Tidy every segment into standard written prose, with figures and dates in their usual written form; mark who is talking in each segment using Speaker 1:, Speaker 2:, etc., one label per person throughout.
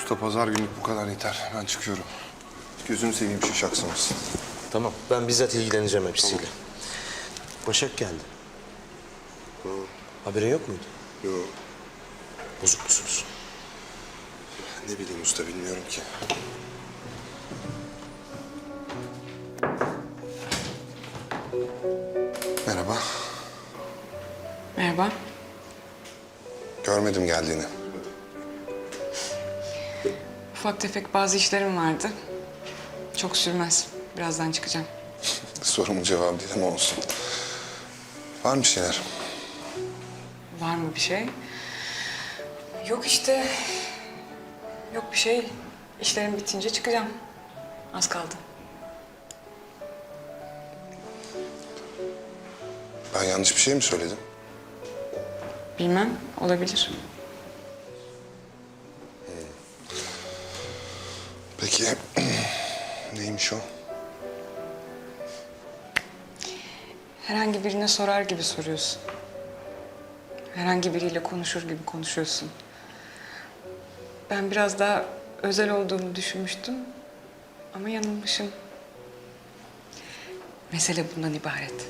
Speaker 1: Usta pazar günlük bu kadar yeter. Ben çıkıyorum. Gözünü seveyim şu şaksamasın.
Speaker 2: Tamam, ben bizzat ilgileneceğim hepsiyle. Başak geldi. Haberin yok muydu?
Speaker 1: Yok.
Speaker 2: Bozuk musunuz?
Speaker 1: Ne bileyim usta, bilmiyorum ki. Merhaba.
Speaker 3: Merhaba.
Speaker 1: Görmedim geldiğini.
Speaker 3: Ufak tefek bazı işlerim vardı. Çok sürmez. Birazdan çıkacağım.
Speaker 1: Sorumun cevabı değil ama olsun. Var mı bir şeyler?
Speaker 3: Var mı bir şey? Yok işte. Yok bir şey. İşlerim bitince çıkacağım. Az kaldı.
Speaker 1: Ben yanlış bir şey mi söyledim?
Speaker 3: Bilmem. Olabilir.
Speaker 1: Peki neymiş o?
Speaker 3: Herhangi birine sorar gibi soruyorsun. Herhangi biriyle konuşur gibi konuşuyorsun. Ben biraz daha özel olduğunu düşünmüştüm. Ama yanılmışım. Mesele bundan ibaret.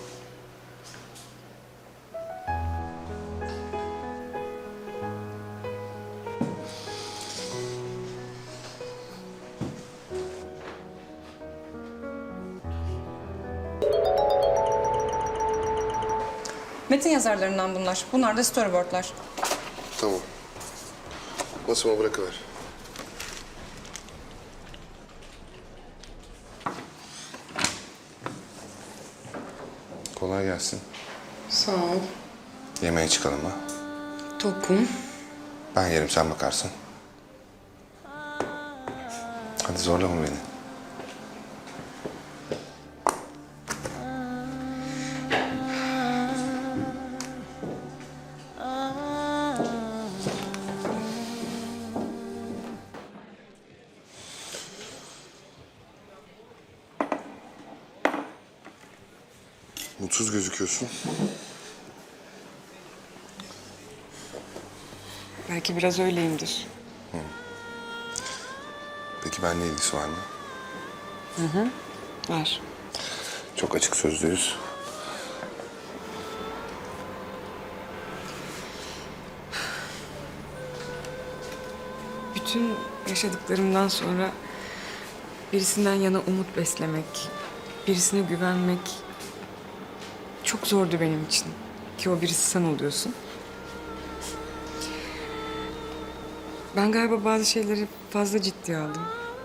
Speaker 4: Metin yazarlarından bunlar. Bunlar da storyboardlar.
Speaker 1: Tamam. Masama bırakıver. Kolay gelsin.
Speaker 3: Sağ ol.
Speaker 1: Yemeğe çıkalım ha.
Speaker 3: Tokum.
Speaker 1: Ben yerim, sen bakarsın. Hadi zorlama beni. Mutsuz gözüküyorsun.
Speaker 3: Belki biraz öyleyimdir.
Speaker 1: Peki benimle ilgisi var mı?
Speaker 3: Var.
Speaker 1: Çok açık sözlüyüz.
Speaker 3: Bütün yaşadıklarımdan sonra birisinden yana umut beslemek, birisine güvenmek çok zordu benim için. Ki o birisi sen oluyorsun. Ben galiba bazı şeyleri fazla ciddiye aldım.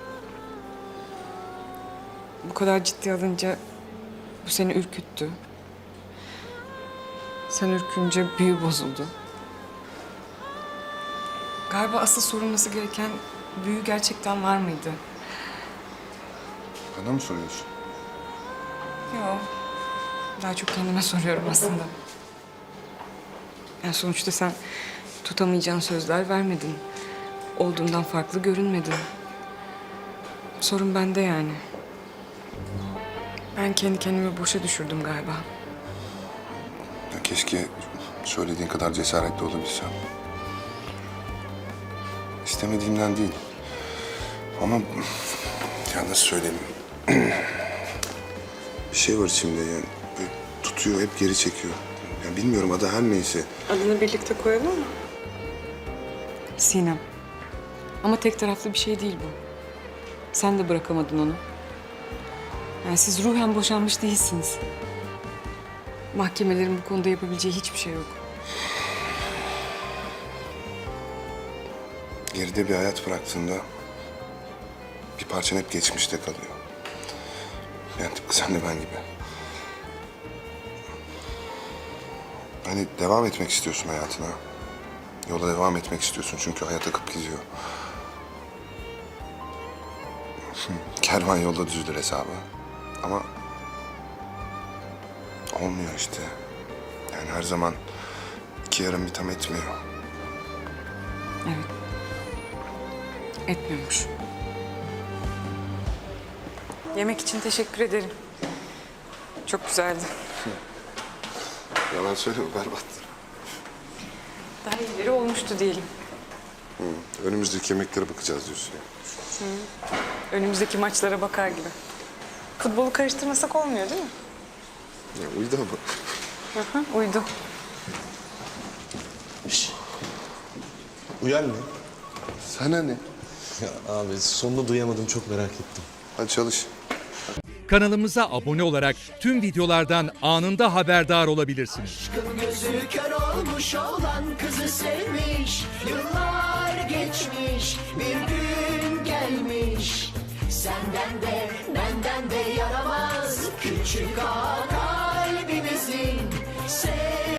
Speaker 3: Bu kadar ciddiye alınca bu seni ürküttü. Sen ürkünce büyü bozuldu. Galiba asıl sorulması gereken büyü gerçekten var mıydı?
Speaker 1: Bana mı soruyorsun?
Speaker 3: Yok. Daha çok kendime soruyorum aslında. Yani sonuçta sen tutamayacağın sözler vermedin. Olduğundan farklı görünmedin. Sorun bende yani. Ben kendi kendimi boşa düşürdüm galiba.
Speaker 1: Ya keşke söylediğin kadar cesaretli olabilsem. İstemediğimden değil. Ama ya nasıl söyleyeyim? Bir şey var içimde yani. Böyle tutuyor, hep geri çekiyor. Ya bilmiyorum, adı her neyse.
Speaker 3: Adını birlikte koyalım mı? Sinem. Ama tek taraflı bir şey değil bu. Sen de bırakamadın onu. Yani siz ruhen boşanmış değilsiniz. Mahkemelerin bu konuda yapabileceği hiçbir şey yok.
Speaker 1: Geride bir hayat bıraktığında bir parçan hep geçmişte kalıyor. Yani tıpkı sen de ben gibi. Hani devam etmek istiyorsun hayatına. Yola devam etmek istiyorsun çünkü hayat akıp gidiyor. Kervan yolda düzülür hesabı. Ama olmuyor işte. Yani her zaman iki yarım bir tam etmiyor.
Speaker 3: Evet. Etmiyormuş. Yemek için teşekkür ederim. Çok güzeldi.
Speaker 1: Yalan söyleme, berbat.
Speaker 3: Daha iyileri olmuştu diyelim.
Speaker 1: Önümüzdeki yemeklere bakacağız diyorsun ya.
Speaker 3: Önümüzdeki maçlara bakar gibi. Futbolu karıştırmasak olmuyor değil mi?
Speaker 1: Ya uydu ama.
Speaker 3: Hı, uydu.
Speaker 2: Uyan ne?
Speaker 1: Sana ne?
Speaker 2: Ya abi sonunu duyamadım, çok merak ettim.
Speaker 1: Hadi çalış.
Speaker 5: Kanalımıza abone olarak tüm videolardan anında haberdar olabilirsiniz.
Speaker 6: Gözü kör olmuş olan kızı sevmiş. Yıllar geçmiş, bir gün gelmiş. Senden de benden de yaramaz küçük ağa kalbimizin.